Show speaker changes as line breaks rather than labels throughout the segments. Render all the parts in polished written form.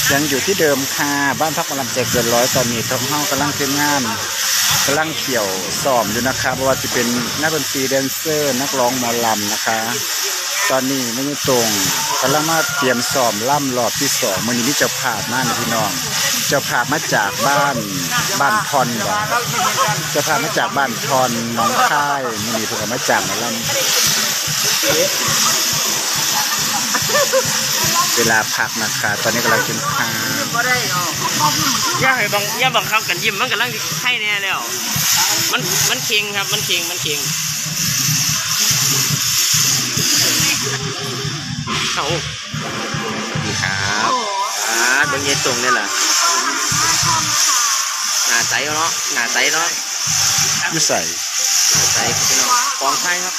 ยังอยู่ที่เดิมค่ะบ้านพักหมอลำใจเกินร้อยตอนนี้ท้องห้องกำลังเตรียมงานกำลังเขี่ยวซ้อมอยู่นะคะเพราะว่าจะเป็นนักดนตรีแดนเซอร์นักร้องหมอลำนะคะ ตอนนี้ไม่ตรงกำลังมาเตรียมซ้อมล่ำรอบที่2มื้อนี้มีเจ้าภาพมานะพี่น้องเจ้าภาพมาจากบ้านทอนบ่เจ้าภาพมาจากบ้านทอนน้องค่ายมื้อนี้เพิ่นก็มาจากหมอลำเวลาพักนะคะตอนนี้กำลังกินข้าว
ย่าบังคับกันยิ้มมันกำลังไข่แน่แล้วมันเค็งครับมันเค็งเอาดีครับเบิ่งเย็นตรงนี่แหละหน้าใสเนาะ
อยู่ใส่
หน้าใสพี่น้องกองไข่ครับ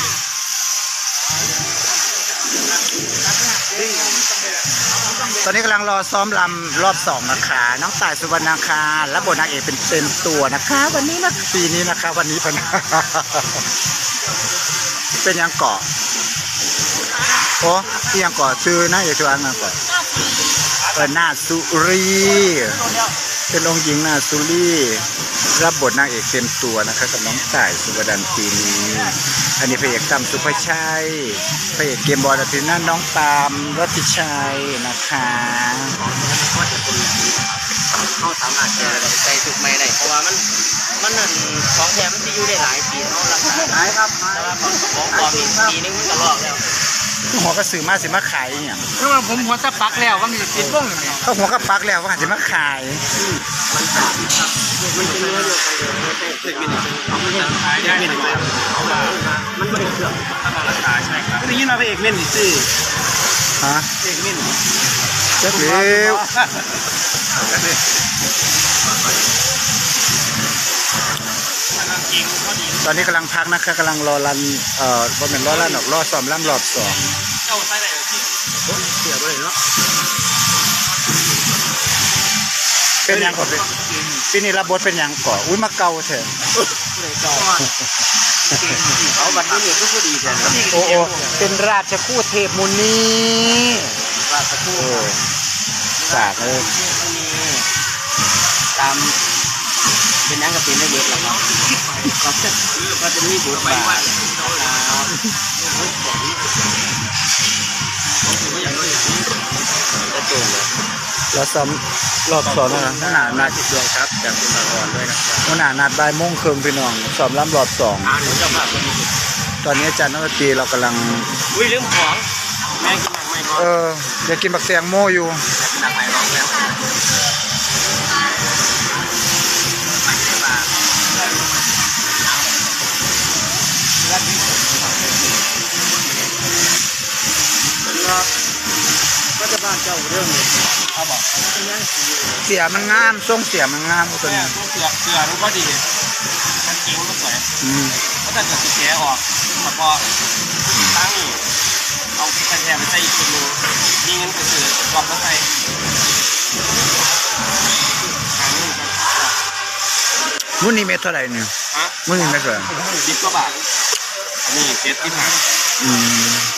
ตอนนี้กำลังรอซ้อมลำรอบ2นะคะน้องต่ายสุวรรณาคาและบทนางเอกเป็นเต็มตัวนะคะวันนี้นะปีนี้นะคะวันนี้พนเป็นยังเกาะโอ้ที่ยังเกาะชื่อนะอย่าชวนนะเกาะนาสุรีเป็นองค์หญิงนาสุรีรับบทนางเอกเต็มตัวนะคะกับน้องต่ายสุวรรณปีนี้อันนี้พระเอกตั้มสุภชัยพระเอกเกมบอลทีนั้นน้องตามรัติชัยนะคะ
เขาสามารถแชร์ใจสุกไม่ได้เพราะว่ามันนั่นของแท้มันจะอยู่ได้หลายปีเขารักษาได้ครับแต่ว่าของปลอมปีนึงมันก็ลอกแล้ว
หัวกระสือมาสิมาขายเนี่ย
เพราะว่าผมหัวตะปักแล้วว่ามีติดบ้งเนี่ย
เขาหัวกระปักแล้วว่าสิมาขาย
มันเป็นเนื้อเดียวกันเลยเด็กมินิขายได้ไม่ได้เพราะว่ามันไม่ได้เครื่องถ้ามาราคาใช่ครับ
ได้ยินมาพระเอกเม่นสิ
ฮะ
เอกเม่น
เจ้าเอ๋ตอนนี้กำลังพักนะคะกำลังรอรันก็เป็นรอรันออกรอซ้อมล่ำรอบ2
เจ้าใส่ไหนที่เสียไปเลยเนาะ
เป็นยังก่อนปีนี้รับบทเป็นยังก่อนอุ้ยมาเกาเถอะ
เขาบัดนี้ก็คือดีแท้
โอ้เป็นราชคู่เทพมุนี
ราชคู่
สากเลย
ตามเป็นยังกับเป็นได้เยอะหรอครับก็จะมีบทบาท
เราซ้อมรอบ2แล้วนะหนานัด
ด้วยครับจากคุณมาก่อนด้วยนะครับ
หนานัดบ่ายโมงครึ่งพี่น้องซ้อมล่ำรอบ2ตอนนี้อาจารย์นักดนตรีเรากำลัง
ลืมของแม่กินหนักไหม
อยากกินบักแตงโมอยู่
หนักไหมร้องแล้วก็จะบ้านเจ้าเรื่องนี้เอาบอก
เสียมันงามทรงเสียมันงามตัวนี้
เสือรู้ก็ดีมันกิ้วก็สวยเพราะถ้าเกิดเสียออกพอตั้งเอากระแทกไปใส่อีกทีนึงนี่เงินก็คือรอบก็ใส่
มื้อนี้เม็ดเท่าไหร่เนี่ยมื้อนี้เม็ดเท่าไหร่
10 กว่าบาทอันนี้7 ที่ผ่าน